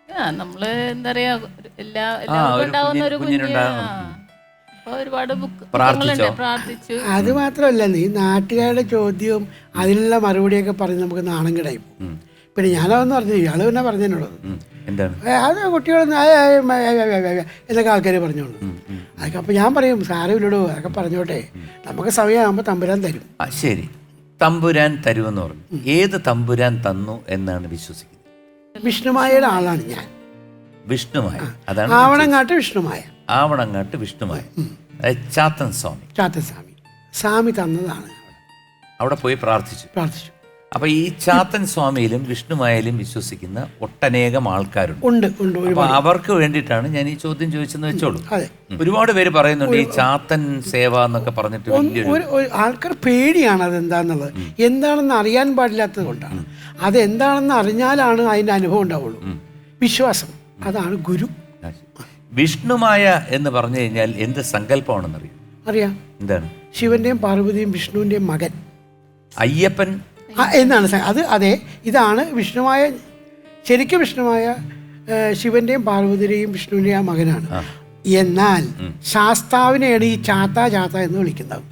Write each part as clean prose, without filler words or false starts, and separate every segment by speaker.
Speaker 1: നമ്മള് എന്താ പറയാ എല്ലാവർക്കും ഉണ്ടാവുന്ന ഒരു കുഞ്ഞ്. അപ്പൊ ഒരുപാട് ബുക്കുകളുണ്ട്. പ്രാർത്ഥിച്ചു.
Speaker 2: അത് മാത്രമല്ല, ഈ നാട്ടുകാരുടെ ചോദ്യവും അതിനുള്ള മറുപടിയൊക്കെ പറഞ്ഞ് നമുക്ക് നാണം കിടായി പോകും. പിന്നെ ഞാനതെന്ന് പറഞ്ഞു, ഇയാള് പിന്നെ പറഞ്ഞതിനുള്ളത് അത് കുട്ടികളൊന്നും എന്നൊക്കെ ആൾക്കാർ പറഞ്ഞോളൂ. അതൊക്കെ അപ്പം ഞാൻ പറയും, സാരമില്ലടോ, അതൊക്കെ പറഞ്ഞോട്ടെ, നമുക്ക് സമയമാകുമ്പോൾ തമ്പുരാൻ തരും.
Speaker 3: ശരി, തമ്പുരാൻ തരുമെന്ന് പറഞ്ഞു. ഏത് തമ്പുരാൻ തന്നു എന്നാണ് വിശ്വസിക്കുന്നത്?
Speaker 2: വിഷ്ണുമായയുടെ ആളാണ് ഞാൻ.
Speaker 3: വിഷ്ണുമായ, അതാണ്
Speaker 2: ആവണങ്ങാട്ട് വിഷ്ണുമായ.
Speaker 3: ആവണങ്ങാട്ട് വിഷ്ണുമായ, ചാത്തൻ സ്വാമി.
Speaker 2: ചാത്തൻ സ്വാമി തന്നതാണ്.
Speaker 3: അവിടെ പോയി പ്രാർത്ഥിച്ചു. അപ്പൊ ഈ ചാത്തൻ സ്വാമിയിലും വിഷ്ണുമായാലും വിശ്വസിക്കുന്ന ഒട്ടനേകം ആൾക്കാരുണ്ട്. അപ്പൊ അവർക്ക് വേണ്ടിയിട്ടാണ് ഞാൻ ഈ ചോദ്യം ചോദിച്ചെന്ന് വെച്ചോളൂ. ഒരുപാട് പേര് പറയുന്നുണ്ട് ഈ ചാത്തൻ സേവ എന്നൊക്കെ പറഞ്ഞിട്ട്
Speaker 2: ആൾക്കാർ പേടിയാണ് അതെന്താന്നുള്ളത്. എന്താണെന്ന് അറിയാൻ പാടില്ലാത്തത് കൊണ്ടാണ്. അതെന്താണെന്ന് അറിഞ്ഞാലാണ് അതിന്റെ അനുഭവം ഉണ്ടാവുള്ളൂ. വിശ്വാസം, അതാണ് ഗുരു.
Speaker 3: വിഷ്ണുമായ എന്ന് പറഞ്ഞു കഴിഞ്ഞാൽ എന്ത് സങ്കല്പമാണെന്ന് അറിയാം? എന്താണ്?
Speaker 2: ശിവന്റെയും പാർവതിയും വിഷ്ണുവിന്റെയും മകൻ
Speaker 3: അയ്യപ്പൻ
Speaker 2: എന്നാണ് അത്. അതെ, ഇതാണ് വിഷ്ണുമായ. ശരിക്കും വിഷ്ണുമായ ശിവന്റെയും പാർവതിയുടെയും വിഷ്ണുവിന്റെയും മകനാണ്. എന്നാൽ ശാസ്താവിനെയാണ് ഈ ചാത്ത എന്ന് വിളിക്കുന്നത്.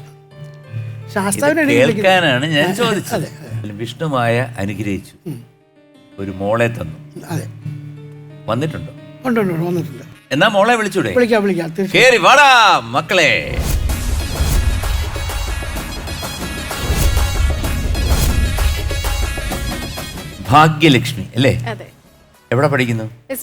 Speaker 3: ശാസ്താവിനാണ് ഞാൻ ചോദിച്ചത്. വിഷ്ണുമായ അനുഗ്രഹിച്ചു, ഒരു മോളെ തന്നു.
Speaker 2: അതെ,
Speaker 3: വന്നിട്ടുണ്ടോ?
Speaker 2: വന്നിട്ടുണ്ട്.
Speaker 3: എന്നാ മോളെ വിളിച്ചൂടെ?
Speaker 2: വിളിക്കാം.
Speaker 3: കേറി വാടാ മക്കളെ. ഭാഗ്യലക്ഷ്മി അല്ലേ? എവിടെ പഠിക്കുന്നു?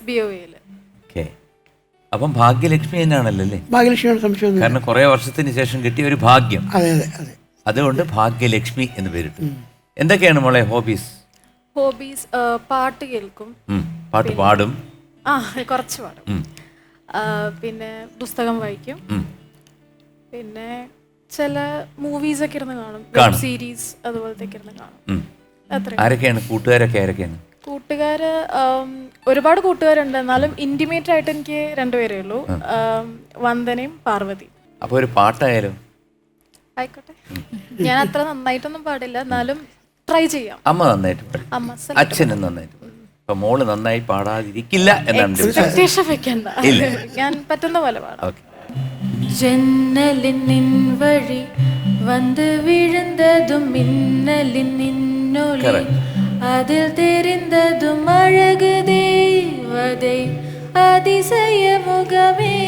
Speaker 3: അപ്പം ഭാഗ്യലക്ഷ്മി തന്നെയാണല്ലോ അല്ലേ?
Speaker 2: ഭാഗ്യലക്ഷ്മിയാണ് സംശയം.
Speaker 3: കാരണം കുറെ വർഷത്തിന് ശേഷം കിട്ടിയ ഒരു ഭാഗ്യം. അതുകൊണ്ട് ഭാഗ്യലക്ഷ്മി എന്ന് പേരിട്ടു. എന്തൊക്കെയാണ് മോളെ ഹോബീസ്?
Speaker 4: പാട്ട് കേൾക്കും,
Speaker 3: പാട്ട് പാടും,
Speaker 4: കുറച്ച് പാടും, പിന്നെ പുസ്തകം വായിക്കും, പിന്നെ ചില മൂവീസ് ഒക്കെ ഇരുന്ന് കാണും, സീരീസ് അതുപോലത്തെ ഇരുന്ന് കാണും.
Speaker 3: ആരൊക്കെയാണ് കൂട്ടുകാരൊക്കെയാണ്?
Speaker 4: കൂട്ടുകാര് ഒരുപാട് കൂട്ടുകാരുണ്ട്. എന്നാലും ഇന്റിമേറ്റ് ആയിട്ട് എനിക്ക് രണ്ടുപേരേ ഉള്ളൂ, വന്ദനയും പാർവതി.
Speaker 3: അപ്പൊ ഒരു പാട്ടായാലും
Speaker 4: ആയിക്കോട്ടെ. ഞാൻ അത്ര നന്നായിട്ടൊന്നും പാടില്ല, എന്നാലും ട്രൈ ചെയ്യാം.
Speaker 3: അമ്മ നന്നായിട്ട് പാടും, അച്ഛനും നന്നായിട്ട് പാടും. അപ്പൊ മോള് നന്നായി പാടാതിരിക്കില്ല എന്നാണ്
Speaker 4: ഞാൻ പറ്റുന്ന പോലെ പാടാം. ജന്നലിൻ വഴി വന്ന് വിഴുന്നതും മിന്നലിൻ നിന്നൊളി, அதில் தெரிந்ததும் அழகு தேவதை அதிசய முகமே.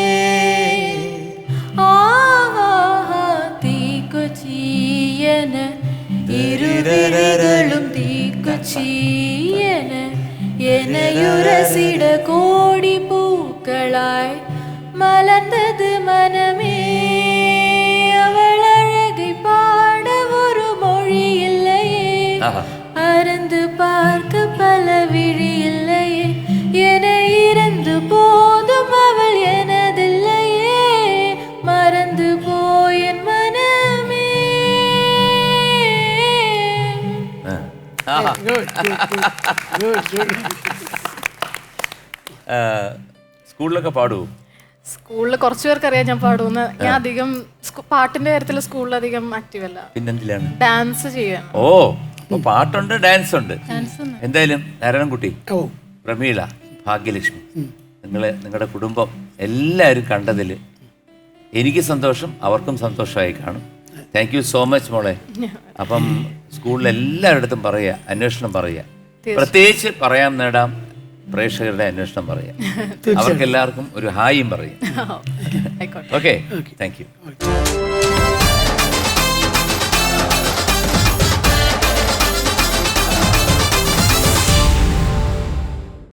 Speaker 4: ஆஹா தீக்குச்சியன இருவிழிகளும் தீக்குச்சியன எனையுரசிட கோடி பூக்களாய் மலர்ந்தது மனமே. அவள் அழகை பாட ஒரு மொழி இல்லையே, அறந்து பார்க்க பல விழி இல்லையே, என இறந்து போதும் அவள் எனதில்லையே, மறந்து போயன் மனமே.
Speaker 3: സ്കൂളിലൊക്കെ പാടുവോ?
Speaker 4: സ്കൂളിൽ കുറച്ചു പേർക്ക് അറിയാം ഞാൻ പാടുമെന്ന്. ഞാൻ അധികം പാട്ടിന്റെ കാര്യത്തിൽ സ്കൂളിൽ അധികം ആക്റ്റീവ് അല്ല.
Speaker 3: പിന്നെന്തിലാണ്?
Speaker 4: ഡാൻസ് ചെയ്യാൻ.
Speaker 3: ഓ, പാട്ടുണ്ട്, ഡാൻസ് ഉണ്ട്. എന്തായാലും നാരായണൻകുട്ടി, പ്രമീള, ഭാഗ്യലക്ഷ്മി, നിങ്ങളുടെ കുടുംബം എല്ലാവരും കണ്ടതിൽ എനിക്ക് സന്തോഷം, അവർക്കും സന്തോഷമായി കാണും. താങ്ക് യു സോ മച്ച് മോളെ. അപ്പം സ്കൂളിൽ എല്ലാവരുടെ പറയുക, അന്വേഷണം പറയുക, പ്രത്യേകിച്ച് പറയാൻ നേടാം പ്രേക്ഷകരുടെ അന്വേഷണം പറയാം. അവർക്ക് എല്ലാവർക്കും ഒരു ഹായും പറയാം. Okay, thank U.